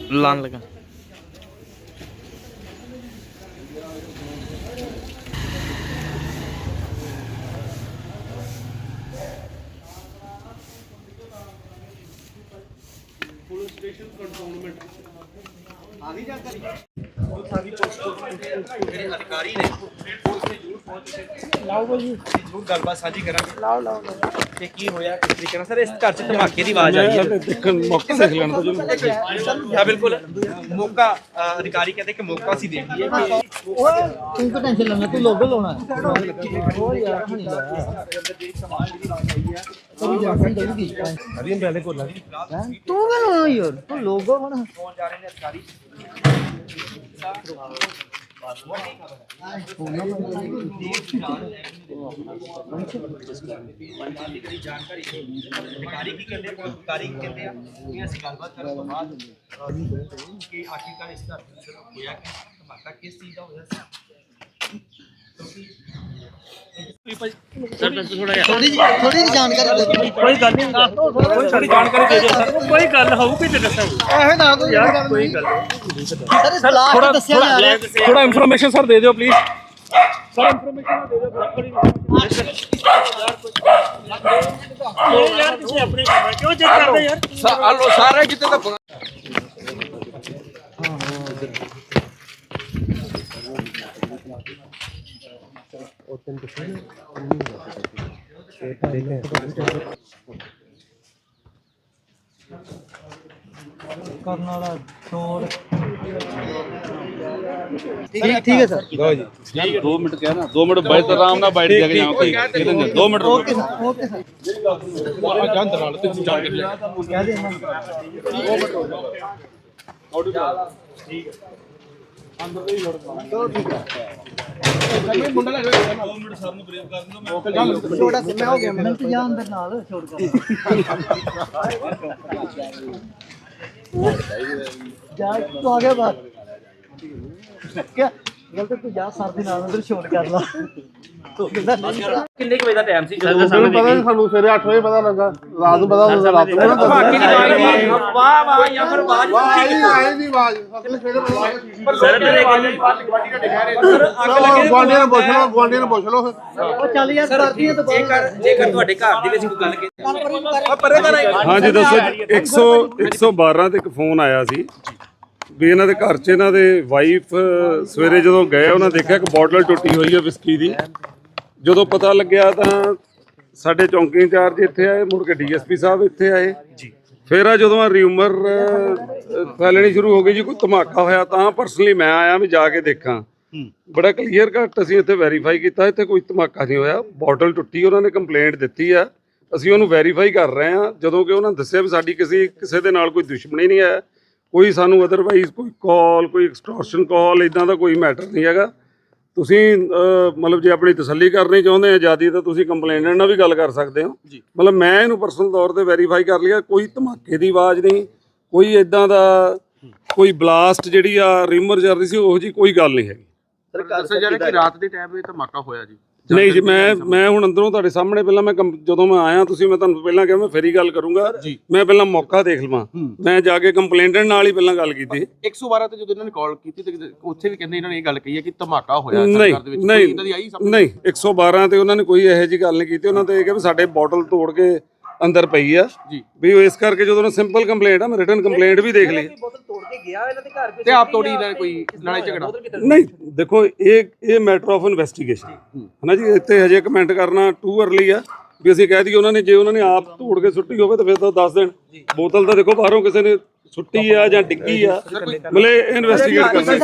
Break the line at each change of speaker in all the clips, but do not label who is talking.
लान लगा।
Police station cantonment आधी जानकारी अधिकारी ने लाओ भाई जरूर गलबात साझी करांगे लाओ लाओ ਤੇ ਕੀ ਹੋਇਆ ਕਿਸ ਤਰੀਕੇ ਨਾਲ ਸਰ ਇਸ ਘਰ 'ਚ ਧਮਾਕੇ ਦੀ ਆਵਾਜ਼ ਆਈ ਹੈ
ਦੇਖਣ ਮੌਕਾ ਦੇਖ ਲੈਣ ਤਾਂ
ਹਾਂ ਬਿਲकुल मौका अधिकारी कहते कि मौका सी देख लिए
ओए तू तो टेंशन लेना तू लोगो लाना है ओ यार हनी ला तू जासन देगी
हरियम पहले को लगी
तू क्या लाना यार तू लोगो होना
कौन जा रहे हैं अधिकारी जानकारी अधिकारी की कहते हैं अधिकारी की कहते हैं कि ਅਸੀਂ ਗੱਲਬਾਤ ਕਰਨ ਤੋਂ ਬਾਅਦ ਕਿ ਆਖਿਰਕਾਰ ਇਸ ਦਾ ਹੋਇਆ ਕਿ ਧਮਾਕਾ ਕਿਸ ਚੀਜ਼ ਦਾ ਹੋਇਆ ਸੀ
थोड़ी जानकारी दे
कोई गल नहीं कोई जानकारी दे दो सर कोई गल होगी ते दसो
ऐसे ना तो
यार कोई गल
सर इतलाह के दस्या जा रहा है
थोड़ा इन्फॉर्मेशन सर दे दियो प्लीज सर इन्फॉर्मेशन दे दियो
यार तुम अपने काम क्यों चेक करते यार
सारे कितने तक
करने वाला छोड़ ठीक है सर
लो जी 2 मिनट क्या ना 2 मिनट बैठ आराम ना बैठ जाके जाओ ठीक 2 मिनट
ओके सर
जान दलाल ते जान के
क्या देना
ठीक है
अंदर ही लोड तो ठीक है
मुंडा लग 2 मिनट सर नु ब्रेक कर दो मैं
छोटा सा मैं हो गया मैं तो जा अंदर नाल छोड़ कर जा तू आ गया बात क्या गलत तू जा सर दे नाल अंदर छोड़ कर ला तो कितना
किन्ने वजे दा टाइम सी ਜਦੋਂ
पता नहीं सानू सवेरे 8 बजे पता लगा रात ਨੂੰ पता रात ਨੂੰ
ਧਮਾਕੇ ਦੀ ਆਵਾਜ਼ ਵਾਹ ਵਾਹ ਜਾਂ ਫਿਰ ਆਵਾਜ਼
ਆਈ ਨਹੀਂ ਆਵਾਜ਼ ਸਵੇਰੇ
ਪਰ ਸਰ ਮੇਰੇ ਗੱਲ
ਗਵਾਂਡੀਆਂ ਨੂੰ ਪੁੱਛ ਲਓ
ਉਹ ਚੱਲ ਯਾਰ ਕਰਦੀ ਹੈ ਤਾਂ
ਜੇਕਰ ਤੁਹਾਡੇ ਘਰ ਦੇ ਵਿੱਚ ਕੋਈ ਗੱਲ
ਹਾਂਜੀ ਦੱਸੋ 112 ਤੇ ਇੱਕ ਫੋਨ ਆਇਆ ਸੀ ਵੀ ਇਹਨਾਂ ਦੇ ਘਰ 'ਚ ਇਹਨਾਂ ਦੇ ਵਾਈਫ ਸਵੇਰੇ ਜਦੋਂ ਗਏ ਉਹਨਾਂ ਦੇਖਿਆ ਕਿ ਬੋਟਲ ਟੁੱਟੀ ਹੋਈ ਹੈ ਵਿਸਕੀ ਦੀ ਜਦੋਂ ਪਤਾ ਲੱਗਿਆ ਤਾਂ ਸਾਡੇ ਚੌਂਕੀ ਇੰਚਾਰਜ ਇੱਥੇ ਆਏ ਮੁੜ ਕੇ ਡੀਐਸਪੀ ਸਾਹਿਬ ਇੱਥੇ ਆਏ ਜੀ ਫਿਰ ਆ ਜਦੋਂ ਰਿਊਮਰ ਫੈਲਣੀ ਸ਼ੁਰੂ ਹੋ ਗਈ ਜੀ ਕੋਈ ਧਮਾਕਾ ਹੋਇਆ ਤਾਂ ਪਰਸਨਲੀ ਮੈਂ ਆਇਆ ਵੀ ਜਾ ਕੇ ਦੇਖਾਂ ਬੜਾ ਕਲੀਅਰ ਕੱਟ ਅਸੀਂ ਇੱਥੇ ਵੈਰੀਫਾਈ ਕੀਤਾ ਇੱਥੇ ਕੋਈ ਧਮਾਕਾ ਨਹੀਂ ਹੋਇਆ ਬੋਟਲ ਟੁੱਟੀ ਉਹਨਾਂ ਨੇ ਕੰਪਲੇਂਟ ਦਿੱਤੀ ਆ ਅਸੀਂ ਉਹਨੂੰ ਵੈਰੀਫਾਈ ਕਰ ਰਹੇ ਹਾਂ ਜਦੋਂ ਕਿ ਉਹਨਾਂ ਦੱਸਿਆ ਵੀ ਸਾਡੀ ਕਿਸੇ ਦੇ ਨਾਲ ਕੋਈ ਦੁਸ਼ਮਣੀ ਨਹੀਂ ਹੈ ਕੋਈ ਸਾਨੂੰ ਅਦਰਵਾਈਜ਼ ਕੋਈ ਕਾਲ ਕੋਈ ਐਕਸਟੋਰਸ਼ਨ ਕਾਲ ਇਦਾਂ ਦਾ ਕੋਈ ਮੈਟਰ ਨਹੀਂ ਹੈਗਾ ਤੁਸੀਂ ਮਤਲਬ ਜੇ ਆਪਣੀ ਤਸੱਲੀ ਕਰਨੀ ਚਾਹੁੰਦੇ ਆ ਆਜ਼ਾਦੀ ਤਾਂ ਤੁਸੀਂ ਕੰਪਲੇਨੈਂਟ ਨਾਲ ਵੀ ਗੱਲ ਕਰ ਸਕਦੇ ਹੋ ਮਤਲਬ ਮੈਂ ਇਹਨੂੰ ਪਰਸਨਲ ਤੌਰ ਤੇ ਵੈਰੀਫਾਈ ਕਰ ਲਿਆ ਕੋਈ ਧਮਾਕੇ ਦੀ ਆਵਾਜ਼ ਨਹੀਂ ਕੋਈ ਇਦਾਂ ਦਾ ਕੋਈ ਬਲਾਸਟ ਜਿਹੜੀ ਆ ਰਿਮਰ ਚੱਲ ਰਹੀ ਸੀ ਉਹ ਜੀ ਕੋਈ ਗੱਲ ਨਹੀਂ ਹੈਗੀ
ਦੱਸਿਆ ਜਾ ਰਿਹਾ ਕਿ ਰਾਤ ਦੇ ਟਾਈਮ 'ਤੇ ਧਮਾਕਾ ਹੋਇਆ ਜੀ
ਨਹੀਂ ਜੀ ਮੈਂ ਹੁਣ ਅੰਦਰੋਂ ਤੁਹਾਡੇ ਸਾਹਮਣੇ ਪਹਿਲਾਂ ਮੈਂ ਜਦੋਂ ਮੈਂ ਆਇਆ ਤੁਸੀਂ ਮੈਂ ਤੁਹਾਨੂੰ ਪਹਿਲਾਂ ਕਿਹਾ ਮੈਂ ਫੇਰੀ ਗੱਲ ਕਰੂੰਗਾ ਮੈਂ ਪਹਿਲਾਂ ਮੌਕਾ ਦੇਖ ਲਵਾਂ ਮੈਂ ਜਾ ਕੇ ਕੰਪਲੇਂਟੈਂਟ ਨਾਲ ਹੀ ਪਹਿਲਾਂ ਗੱਲ ਕੀਤੀ
112 ਤੇ ਜਦੋਂ ਇਹਨਾਂ ਨੇ ਕਾਲ ਕੀਤੀ ਤੇ ਉੱਥੇ ਵੀ ਕਹਿੰਦੇ ਇਹਨਾਂ ਨੇ ਇਹ ਗੱਲ ਕਹੀ ਹੈ ਕਿ ਧਮਾਕਾ ਹੋਇਆ
ਨਹੀਂ
ਸਰਕਾਰ ਦੇ ਵਿੱਚ
ਨਹੀਂ
ਇਦਾਂ ਦੀ ਆਈ
ਨਹੀਂ 112 ਤੇ ਉਹਨਾਂ ਨੇ ਕੋਈ ਇਹੋ ਜਿਹੀ ਗੱਲ ਨਹੀਂ ਕੀਤੀ ਉਹਨਾਂ ਤੇ ਇਹ ਕਿਹਾ ਵੀ ਸਾਡੇ ਬੋਟਲ ਤੋੜ ਕੇ ਅੰਦਰ ਪਈ ਆ ਵੀ ਉਹ ਇਸ ਕਰਕੇ ਜਦੋਂ ਸਿੰਪਲ ਕੰਪਲੇਂਟ ਆ ਮੈਂ ਰਿਟਨ ਕੰਪਲੇਂਟ ਵੀ ਦੇਖ ਲਈ
ਬੋਤਲ ਤੋੜ ਕੇ ਗਿਆ ਇਹਨਾਂ ਦੇ ਘਰ
ਤੇ ਆਪ ਤੋੜੀ ਇਹਨਾਂ ਨੇ ਕੋਈ ਲੜਾਈ ਝਗੜਾ
ਨਹੀਂ ਦੇਖੋ ਇਹ ਮੈਟਰ ਆਫ ਇਨਵੈਸਟੀਗੇਸ਼ਨ ਹੈ ਨਾ ਜੀ ਇੱਥੇ ਹਜੇ ਕਮੈਂਟ ਕਰਨਾ ਟੂ ਅਰਲੀ ਆ ਵੀ ਅਸੀਂ ਕਹਿ ਦਈਏ ਉਹਨਾਂ ਨੇ ਜੇ ਉਹਨਾਂ ਨੇ ਆਪ ਤੋੜ ਕੇ ਸੁੱਟੀ ਹੋਵੇ ਤਾਂ ਫਿਰ ਤਾਂ ਦੱਸ ਦੇਣ ਬੋਤਲ ਤਾਂ ਦੇਖੋ ਬਾਹਰੋਂ ਕਿਸੇ ਨੇ ਸੁੱਟੀ ਆ ਜਾਂ ਡਿੱਗੀ ਆ ਮਤਲਬ ਇਨਵੈਸਟੀਗੇਟ ਕਰਨਾ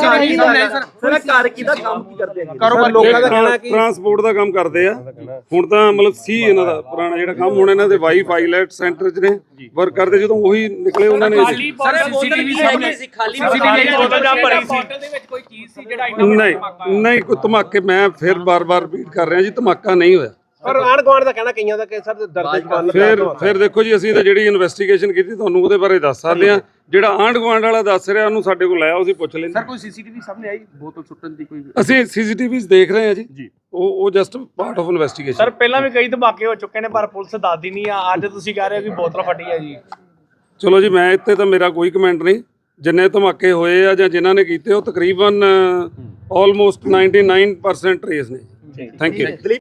ਸਰ ਘਰ ਕਿਹਦਾ ਕੰਮ ਕੀ ਕਰਦੇ ਆ
ਕਾਰੋਬਾਰ ਲੋਕਾਂ ਦਾ ਕਹਿਣਾ ਕਿ
ਟਰਾਂਸਪੋਰਟ ਦਾ ਕੰਮ ਕਰਦੇ ਆ ਹੁਣ ਤਾਂ ਮਤਲਬ ਸੀ ਇਹਨਾਂ ਦਾ ਪੁਰਾਣਾ ਜਿਹੜਾ ਕੰਮ ਹੁਣ ਇਹਨਾਂ ਦੇ ਵਾਈਫ ਆਈਲੈਟ ਸੈਂਟਰ 'ਚ ਨੇ ਵਰਕ ਕਰਦੇ ਜਦੋਂ ਉਹੀ ਨਿਕਲੇ ਉਹਨਾਂ ਨੇ
ਸਰ ਸੀਸੀਟੀਵੀ ਸਾਹਮਣੇ ਸੀ ਖਾਲੀ ਬੋਤਲ ਜਾਂ ਭਰੀ ਸੀ ਬੋਤਲ ਦੇ ਵਿੱਚ ਕੋਈ ਚੀਜ਼ ਸੀ ਜਿਹੜਾ
ਨਹੀਂ ਕੋਈ ਧਮਾਕੇ ਮੈਂ ਫਿਰ ਬਾਰ-ਬਾਰ ਰਿਪੀਟ ਕਰ ਰਿਹਾ ਜੀ ਧਮਾਕਾ ਨਹੀਂ ਹੋਇਆ
ਪਰ ਆਣ ਗਵਾਂਡ ਦਾ ਕਹਿਣਾ ਕਈਆਂ ਦਾ ਕਿ ਸਰ ਦਰਦ ਜਵਾਨ
ਫਿਰ ਦੇਖੋ ਜੀ ਅਸੀਂ ਤਾਂ ਜਿਹੜੀ ਇਨਵੈਸਟੀਗੇਸ਼ਨ ਕੀਤੀ ਤੁਹਾਨੂੰ ਉਹਦੇ ਬਾਰੇ ਦੱਸ ਸਕਦੇ ਆ ਜਿਹੜਾ ਆਂਢ ਗੁਆਂਢ ਵਾਲਾ ਦੱਸ ਰਿਹਾ ਉਹਨੂੰ ਸਾਡੇ ਕੋਲ ਲਾਇਆ ਅਸੀਂ ਪੁੱਛ ਲੈਂਦੇ
ਸਰ ਕੋਈ ਸੀਸੀਟੀਵੀ ਸਾਹਮਣੇ ਆਈ ਬੋਤਲ ਸੁੱਟਣ ਦੀ ਕੋਈ
ਅਸੀਂ ਸੀਸੀਟੀਵੀਜ਼ ਦੇਖ ਰਹੇ ਆ ਜੀ ਉਹ just part of investigation
sir ਪਹਿਲਾਂ ਵੀ ਕਈ ਧਮਾਕੇ ਹੋ ਚੁੱਕੇ ਨੇ ਪਰ ਪੁਲਿਸ ਦੱਸਦੀ ਨਹੀਂ ਆ ਅੱਜ ਤੁਸੀਂ ਕਹਿ ਰਹੇ ਹੋ ਕਿ ਬੋਤਲ ਫਟੀ ਹੈ ਜੀ
ਚਲੋ ਜੀ ਮੈਂ ਇੱਥੇ ਤਾਂ ਮੇਰਾ ਕੋਈ ਕਮੈਂਟ ਨਹੀਂ ਜਿੰਨੇ ਧਮਾਕੇ ਹੋਏ ਆ ਜਾਂ ਜਿਨ੍ਹਾਂ ਨੇ ਕੀਤੇ ਉਹ ਤਕਰੀਬਨ ਆਲਮੋਸਟ 99% ਟਰੇਸ ਨੇ। Thank you.